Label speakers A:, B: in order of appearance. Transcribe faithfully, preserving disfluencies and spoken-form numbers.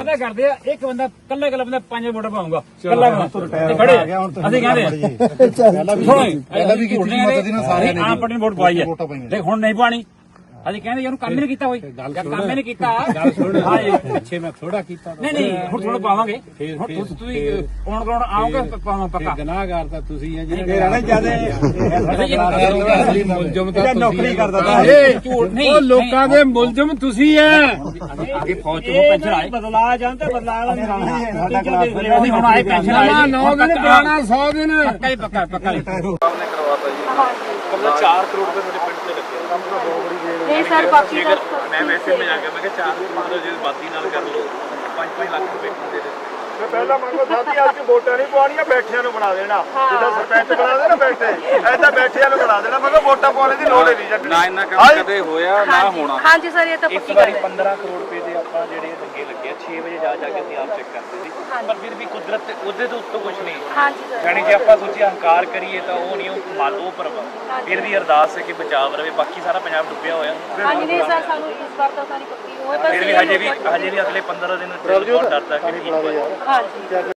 A: ਵਾਅਦਾ ਕਰਦੇ ਆ ਇੱਕ ਬੰਦਾ ਕੱਲਾ ਕੱਲਾ ਬੰਦਾ ਪੰਜ ਵੋਟ ਪਾਉਂਗਾ ਕੱਲਾ ਖੜੇ ਅਸੀਂ ਕਹਿੰਦੇ ਪਹਿਲਾਂ ਵੀ ਕੀਤੀ ਮਦਦ ਇਹਨਾਂ ਸਾਰਿਆਂ ਨੇ ਆਪ ਆਪਣੀ ਵੋਟ ਪਾਈ ਹੈ ਦੇਖ ਹੁਣ ਨਹੀਂ ਪਾਣੀ ਅਸੀਂ ਕਹਿੰਦੇ ਇਹਨੂੰ ਕੰਮ ਹੀ ਨਹੀਂ ਕੀਤਾ ਹੋਈ ਕੰਮ ਹੀ ਨਹੀਂ ਕੀਤਾ ਹਾਂ ਪਿੱਛੇ ਮੈਂ ਥੋੜਾ ਕੀਤਾ ਨਹੀਂ ਨਹੀਂ ਹੁਣ ਥੋੜਾ ਪਾਵਾਂਗੇ ਹੁਣ ਤੁਸੀਂ ਕੌਣ ਕੌਣ ਆਓਗੇ ਪਾਵਾਂ ਪੱਕਾ ਗੁਨਾਹਗਾਰ ਤਾਂ ਤੁਸੀਂ ਆ ਜੀ ਰਹਿਣਾ ਚਾਹਦੇ ਮੁਲਜ਼ਮ ਤਾਂ ਨੌਕਰੀ ਕਰਦਾ ਇਹ ਝੂਠ ਨਹੀਂ ਉਹ ਲੋਕਾਂ ਦੇ ਮੁਲਜ਼ਮ ਤੁਸੀਂ ਆ ਅੱਗੇ ਫੌਜ ਤੋਂ ਪੈਨਸ਼ਨ ਆਏ ਬਦਲਾ ਜਾਂਦੇ ਬਦਲਾ ਸਾਡਾ ਕਲਾਸ ਅਸੀਂ ਹੁਣ ਆਏ ਪੈਨਸ਼ਨ ਆਏ ਨੌ ਦਿਨ ਪੁਰਾਣਾ ਸੌ ਦਿਨ ਪੱਕਾ ਹੀ ਪੱਕਾ ਪੱਕਾ ਨੇ ਕਰਵਾਤਾ ਜੀ ਕਮਲਾ ਚਾਰ ਕਰੋੜ ਰੁਪਏ ਤੁਹਾਡੇ ਪਿੰਡ ਤੇ ਲੱਗੇ ਕੰਮ ਤਾਂ ਬਹੁਤ ਬੜੀ
B: नहीं सर बाकी
A: मैं वैसे में जाकर मैं चार मतलब जो बाती नाल कर लो पाँच पाँच लाख रुपए दे दे मैं पहला मंगो साथी आज की वोटा नहीं पवानियां बैठियां नु बना देना जिदा सरपंच बना देना बैठे ऐसा बैठियां नु बना देना मैं वोटा पाने दी लोड़ ही नहीं जट ना इन्ना काम कदे होया ना होना
B: हां जी सर ये तो
A: इस बारी पंद्रह करोड़ रुपए दे ਆਪਾਂ ਜਿਹੜੇ ਲੱਗੇ ਲੱਗੇ छह ਵਜੇ ਜਾ ਜਾ ਕੇ ਅਸੀਂ ਆਪ ਚੈੱਕ ਕਰਦੇ ਸੀ ਪਰ ਫਿਰ ਵੀ ਕੁਦਰਤ ਉਹਦੇ ਤੋਂ ਉੱਤੋਂ ਕੁਝ ਨਹੀਂ
B: हां जी सर
A: ਯਾਨੀ ਜੇ ਆਪਾਂ ਸੋਚੀ ਹੰਕਾਰ ਕਰੀਏ ਤਾਂ ਉਹ ਨਹੀਂ ਉਹ ਮਾਲ ਉਹ ਪਰ ਫਿਰ ਵੀ ਅਰਦਾਸ ਹੈ ਕਿ ਬਚਾਵ ਰਵੇ ਬਾਕੀ ਸਾਰਾ ਪੰਜਾਬ ਡੁੱਬਿਆ ਹੋਇਆ
B: हां जी नहीं सर ਸਾਨੂੰ ਇਸ ਵਾਰ ਤਾਂ ਸਾਰੀ ਪੱਕੀ ਹੋਏ ਪਰ
A: ਫਿਰ ਵੀ ਹਜੇ ਵੀ ਹਜੇ ਵੀ ਅਗਲੇ ਪੰਦਰਾਂ ਦਿਨ ਬਹੁਤ ਡਰਦਾ ਕਿ
B: हां जी